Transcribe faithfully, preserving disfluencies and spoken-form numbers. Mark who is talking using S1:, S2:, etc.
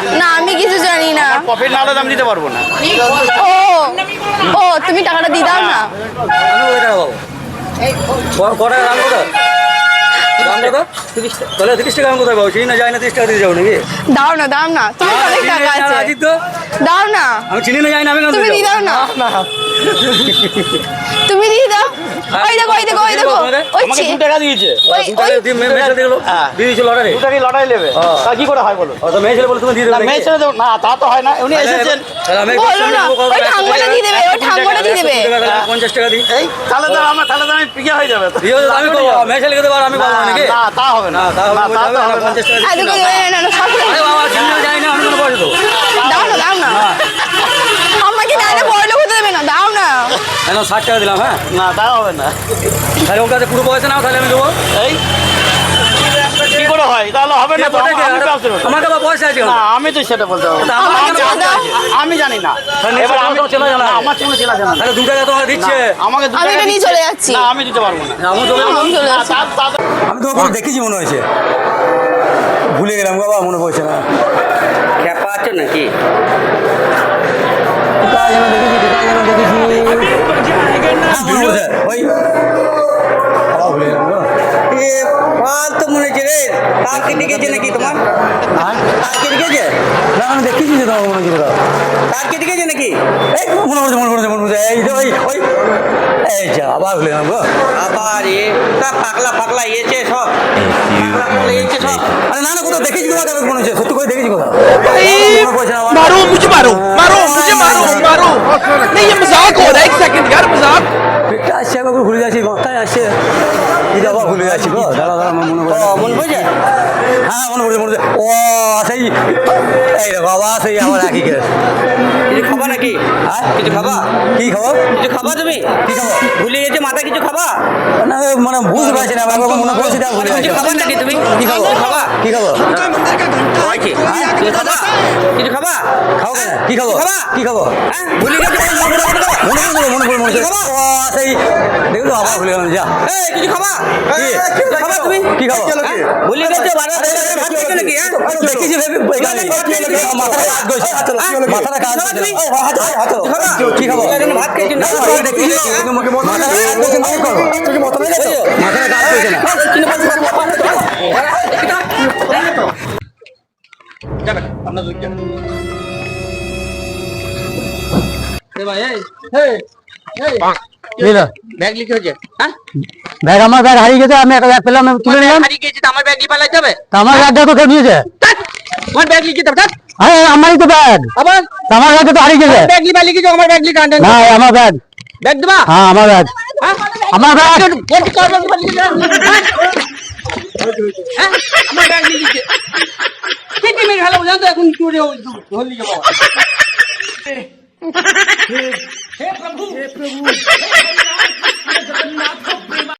S1: না আমি কিছু জানি না।
S2: প্রফিট না হলে দাম দিতে পারবো না।
S1: ও ও তুমি টাকাটা দিয়ে দাও না।
S3: কটা দাম কত? দাম কত? তিরিশ টাকা। তাহলে তিরিশ টাকা আমি কোথায় পাবো? চিনি না যাই না তিরিশ টাকা দিয়ে যাবো নাকি?
S1: দাও না দাও না, তুমি অনেক টাকা আছে। দাও না,
S3: আমি চিনি না যাই না আমি কেন
S1: তুমি দিয়ে দাও না। তুমি দিয়ে দাও। ওই দেখো ওই দেখো ওই দেখো ওই
S2: আমাকে দু টাকা দিয়েছে।
S1: ওই ওই
S3: দিয়ে দিয়েছিল লটারি।
S2: দু টাকায় লটাই নেবে। তা কি করে হয় বলুন?
S3: ও তো মেয়ে ছেলে বলে তুমি দিয়ে দেবে
S2: না, মেয়ে ছেলে দেবো না, তা তো হয় না। উনি এসেছেন।
S3: তাহলে আমি
S1: বলো না, ওই ঠাঙ্গটা দিয়ে দেবে, ওই ঠাঙ্গটা দিয়ে দেবে।
S3: পঞ্চাশ টাকা দিই।
S2: এই তাহলে তো আমার তাহলে তো আমি পিকে হয়ে যাবে।
S3: দিয়ে তো আমি করবো, মেয়ে ছেলেকে দেবো আর আমি পাবো না নাকি?
S2: না তা হবে না।
S3: না তা হবে
S2: না,
S3: না,
S2: তা তো হবে না।
S3: পঞ্চাশ টাকা
S1: আর
S3: দিচ্ছি
S1: দেখো
S3: না।
S1: না না সব
S3: আরে বাবা চিনি না যাই না আমি কোনো পয়সা দেবো।
S1: দাও না দাও না, আমাকে না না বড় লোক হতে দেবে না, দাও না।
S3: এখন ষাট টাকা দিলাম। হ্যাঁ
S2: না তা হবে না।
S3: তাহলে ওর কাছে পুরো পয়সা নাও তাহলে আমি দেবো।
S2: এই কি করে হয়? তাহলে হবে না তো। আমি কাজ দেবো।
S3: আমার কাছে পয়সা আছে।
S2: না আমি তো সেটা বলতে পারবো না।
S1: আমাকে
S2: আমি-
S1: দাও, দাও।
S2: আমি জানি না।
S3: তাহলে
S2: এবার আমি
S3: তোমার চেনা জানা
S2: না,
S3: আছে।
S2: আমার কোনো চেনা জানা নেই।
S3: তাহলে দু টাকা তোমাকে দিচ্ছে।
S2: না, আমাকে দু
S1: আমি
S2: টাকা
S1: এটা নিয়ে
S2: দিচ্ছে।
S1: চলে যাচ্ছি।
S2: না আমি দিতে পারবো না।
S3: আমি চলে যাবো।
S1: আমি চলে
S2: না,
S1: যাচ্ছি।
S2: তা- তা তো-
S3: আমি তো ওখানে দেখেছি মনে হয়েছে, ভুলে গেলাম বাবা, মনে পড়ছে না।
S4: খ্যাপা আছে নাকি?
S3: কোথায় যেন দেখেছি কোথায় যেন দেখেছি হ্যাঁ, মনে পড়ছে। ওই আবার ভুলে গেলাম গো।
S4: এ পাল তো মনে হচ্ছে রে, তার কেটে গেছে নাকি তোমার?
S3: হ্যাঁ?
S4: তার কেটে গেছে?
S3: না আমি দেখেছি যে তোমার মনে হচ্ছে কোথাও।
S4: তার কেটে গেছে নাকি?
S3: এই মনে পড়ছে মনে পড়ছে মনে পড়ছে এই যে ওই ওই এই যা আবার ভুলে গেলাম গো।
S4: আবার এ তা পাগলা পাগলা ইয়েছে সব, পাগলা পাগলা ইয়েছে সব।
S3: আরে না না কোথাও দেখেছি তোমাকে, আমি মনে হচ্ছে সত্যি করে দেখেছি কোথাও।
S5: अरे
S3: মনে পড়ছে না আমার।
S5: मारो मुझे मारो मारो मुझे मारो मारो नहीं ये मजाक हो रहा है एक सेकंड यार मजाक
S3: পেটটা আসছে একবার ভুলে যাচ্ছি, মাথায় আসছে এই যে আবার ভুলে যাচ্ছি গো। দাঁড়া দাঁড়া আমার মনে
S4: ও,
S3: পড়ছে
S4: মনে পড়ছে?
S3: হ্যাঁ মনে পড়ছে মনে পড়ছে ও সেই এই দেখো আবার সেই আমার একই কেস।
S4: কিছু খাবা নাকি?
S3: হ্যাঁ?
S4: কিছু খাবা?
S3: কি খবর?
S4: কিছু খাবা তুমি?
S3: কি খবর?
S4: ভুলে গেছে মাথা, কিছু খাবা?
S3: না মানে বুঝতে পারছি না, একবার মনে পড়ছে যা ভুলে
S4: কিছু
S3: যাচ্ছি।
S4: খাবা নাকি তুমি?
S3: কি খবর?
S4: কিছু খাবা?
S3: কি খবর?
S4: হয় কি? কিছু খাবা? কিছু খাবা?
S3: খাও কেন? কি খবর?
S4: খাবা?
S3: কি খবর?
S4: হ্যাঁ? ভুলে গেছে মনে পড়ে গেছে?
S3: মনে পড়ছে মনে পড়ে মনে পড়ছে ও সেই দেখো তো আবার ভুলে গেলাম যা।
S4: এই, কিছু খাবা?
S3: কি?
S4: কিছু খাবা তুমি?
S3: কি খবর?
S4: হ্যাঁ? ভুলে গেছে বারবার ভাত খেয়েছো নাকি? হ্যাঁ?
S3: দেখেছি ভেবে এখানে মাথাটা কাজ করছে, মাথাটা কাজ করছে না। ও, হাত ধরো, হাত ধরো। কি খবর?
S4: ভাত খেয়েছো না?
S3: দেখেছি মাথাটা কাজ করছে না, কি করো? মাথাটা কাজ করছে না।
S4: ব্যাগ লিখে হয়েছে? হ্যাঁ?
S3: ব্যাগ আমার ব্যাগ হারিয়ে গেছে, আমি একটা ব্যাগ পেলাম, আমি তুলে নিলাম।
S4: হারিয়ে গেছে তো আমার ব্যাগ নিয়ে পালাতে হবে?
S3: তা আমার ব্যাগটা তো কেউ নিয়েছে।
S4: তোমার ব্যাগ লিখে দাও।
S3: আরে আমারই তো ব্যাগ,
S4: আবার
S3: তা আমার ব্যাগটা তো হারিয়ে গেছে।
S4: ব্যাগ লিখে লিখে আমার ব্যাগ লিখে আনতে
S3: না আমার ব্যাগ,
S4: ব্যাগ দেবা?
S3: হ্যাঁ আমার ব্যাগ,
S4: হ্যাঁ?
S3: আমার ব্যাগ।
S4: ব্যাগ কার ব্যাগ লিখে দাও? হ্যাঁ? আমার ব্যাগ লিখে কেটে মেরে ভালো জানো তো এখন চুরে ধরে লিখে বাবা। হে প্রভু হে প্রভু